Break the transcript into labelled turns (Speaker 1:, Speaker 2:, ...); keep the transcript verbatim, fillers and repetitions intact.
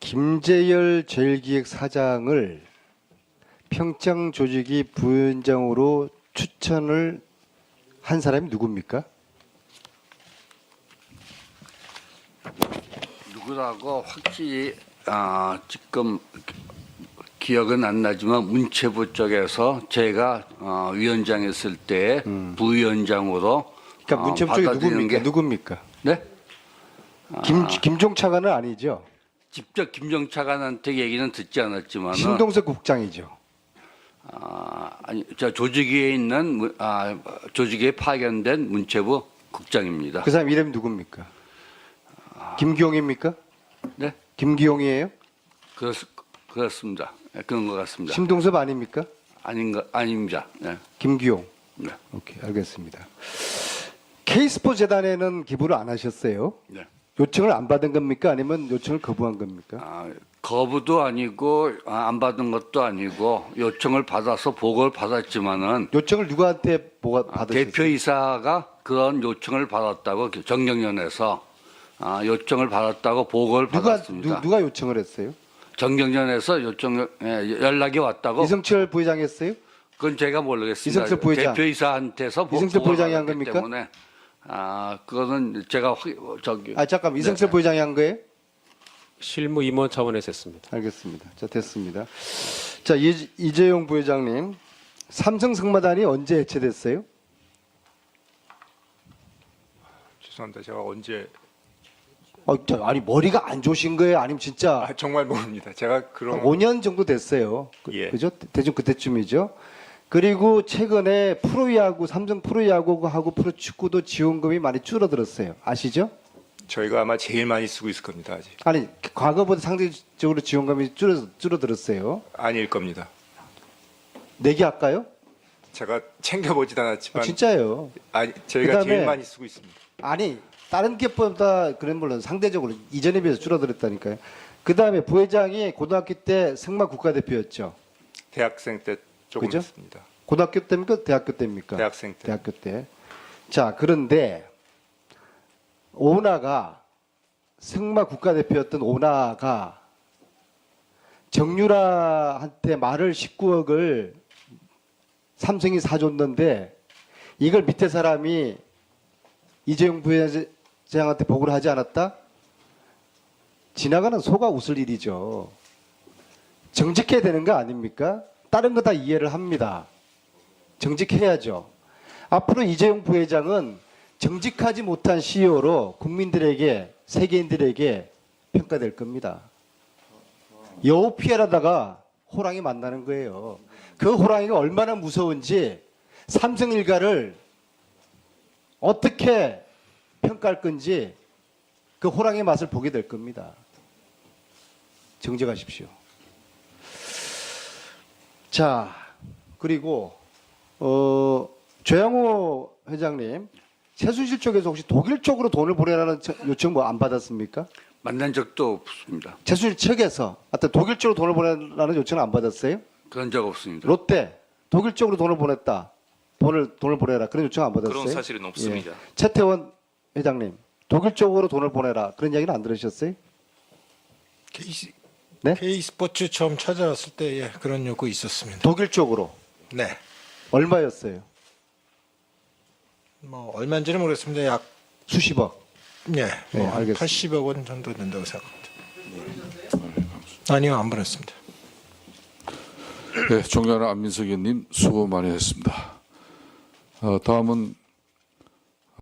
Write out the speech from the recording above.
Speaker 1: 김재열 제일기획사장을 평창 조직이 부위원장으로 추천을 한 사람이 누굽니까?
Speaker 2: 누구라고 확실히 아, 지금 기억은 안 나지만 문체부 쪽에서 제가 어, 위원장했을 때
Speaker 1: 음.
Speaker 2: 부위원장으로
Speaker 1: 그러니까
Speaker 2: 어,
Speaker 1: 문체부 쪽이
Speaker 2: 받아들이는
Speaker 1: 누굽니까?
Speaker 2: 게-
Speaker 1: 누굽니까?
Speaker 2: 네?
Speaker 1: 김 김종차관은 아니죠.
Speaker 2: 직접 김정차관한테 얘기는 듣지 않았지만
Speaker 1: 신동석 국장이죠.
Speaker 2: 아, 아니 저 조직위에 있는 문- 아, 조직위에 파견된 문체부 국장입니다.
Speaker 1: 그 사람 이름이 누굽니까? 김기용입니까?
Speaker 2: 네?
Speaker 1: 김기용이에요?
Speaker 2: 그렇, 그렇습니다. 네, 그런 것 같습니다.
Speaker 1: 신동섭 아닙니까?
Speaker 2: 아닌가 아닙니다. 네.
Speaker 1: 김기용.
Speaker 2: 네.
Speaker 1: 오케이, 알겠습니다. K스포 재단에는 기부를 안 하셨어요?
Speaker 2: 네.
Speaker 1: 요청을 안 받은 겁니까? 아니면 요청을 거부한 겁니까?
Speaker 2: 아, 거부도 아니고 아, 안 받은 것도 아니고 요청을 받아서 보고를 받았지만은
Speaker 1: 요청을 누구한테 뭐가
Speaker 2: 아,
Speaker 1: 받으셨어요?
Speaker 2: 대표이사가 그런 요청을 받았다고 정경련에서 아, 요청을 받았다고 보고를
Speaker 1: 누가
Speaker 2: 받았습니다.
Speaker 1: 누, 누가 요청을 했어요?
Speaker 2: 정경련에서 요청 예, 연락이 왔다고.
Speaker 1: 이승철 부회장이 했어요?
Speaker 2: 그건 제가 모르겠습니다.
Speaker 1: 이승철 부회장.
Speaker 2: 대표이사한테서 보-
Speaker 1: 이승철
Speaker 2: 보고를
Speaker 1: 부회장이 한
Speaker 2: 받았기
Speaker 1: 겁니까?
Speaker 2: 때문에 아 그거는 제가 확- 저기
Speaker 1: 아 잠깐 이승철
Speaker 2: 네.
Speaker 1: 부회장이 한 거예요?
Speaker 3: 실무 임원 차원에서 했습니다.
Speaker 1: 알겠습니다. 자 됐습니다. 자 이, 이재용 부회장님, 삼성 승마단이 언제 해체됐어요?
Speaker 4: 죄송합니다. 제가 언제
Speaker 1: 어, 저, 아니 머리가 안 좋으신 거예요? 아니면 진짜
Speaker 4: 아, 정말 모릅니다. 제가 그런
Speaker 1: 오 년 정도 됐어요. 그,
Speaker 4: 예.
Speaker 1: 그죠? 대충 그때쯤이죠. 그리고 최근에 프로야구, 삼성 프로야구하고 프로축구도 지원금이 많이 줄어들었어요. 아시죠?
Speaker 4: 저희가 아마 제일 많이 쓰고 있을 겁니다. 아직
Speaker 1: 아니 과거보다 상대적으로 지원금이 줄어, 줄어들었어요.
Speaker 4: 아닐 겁니다.
Speaker 1: 내기 할까요?
Speaker 4: 제가 챙겨보지도
Speaker 1: 아,
Speaker 4: 않았지만
Speaker 1: 진짜예요.
Speaker 4: 아니 저희가
Speaker 1: 그다음에-
Speaker 4: 제일 많이 쓰고 있습니다.
Speaker 1: 아니 다른 기업보다 그런 물론 상대적으로 이전에 비해서 줄어들었다니까요. 그 다음에 부회장이 고등학교 때 승마 국가대표였죠.
Speaker 4: 대학생 때 조금
Speaker 1: 그죠?
Speaker 4: 했습니다.
Speaker 1: 고등학교 때입니까? 대학교 때입니까?
Speaker 4: 대학생 때.
Speaker 1: 대학교 때. 자 그런데 오나가 승마 국가대표였던 오나가 정유라한테 말을 십구억을 삼성이 사줬는데 이걸 밑에 사람이 이재용 부회장한테 보고를 하지 않았다? 지나가는 소가 웃을 일이죠. 정직해야 되는 거 아닙니까? 다른 거 다 이해를 합니다. 정직해야죠. 앞으로 이재용 부회장은 정직하지 못한 씨이오로 국민들에게, 세계인들에게 평가될 겁니다. 여우 피해라다가 호랑이 만나는 거예요. 그 호랑이가 얼마나 무서운지 삼성 일가를 어떻게 평가할 건지 그 호랑이 맛을 보게 될 겁니다. 정직하십시오. 자, 그리고 어, 조양호 회장님, 최순실 쪽에서 혹시 독일 쪽으로 돈을 보내라는 요청 뭐 안 받았습니까?
Speaker 2: 만난 적도 없습니다.
Speaker 1: 최순실 측에서 하여튼 독일 쪽으로 돈을 보내라는 요청을 안 받았어요?
Speaker 2: 그런 적 없습니다.
Speaker 1: 롯데 독일 쪽으로 돈을 보냈다. 돈을 돈을 보내라. 그런 요청 안 받았어요?
Speaker 5: 그런 사실은 없습니다.
Speaker 1: 예. 최태원 회장님, 독일 쪽으로 돈을 보내라. 그런 이야기는 안 들으셨어요?
Speaker 6: K,
Speaker 1: 네?
Speaker 6: K스포츠 처음 찾아왔을 때 예, 그런 요구 있었습니다.
Speaker 1: 독일 쪽으로
Speaker 6: 네.
Speaker 1: 얼마였어요?
Speaker 6: 뭐 얼마인지는 모르겠습니다. 약
Speaker 1: 수십억.
Speaker 6: 예,
Speaker 1: 네,
Speaker 6: 뭐
Speaker 1: 알겠습니다.
Speaker 6: 팔십억 원 정도 된다고 생각합니다. 아니요, 안 보냈습니다.
Speaker 7: 네, 존경하는 안민석 의원님 수고 많이 했습니다. 어, 다음은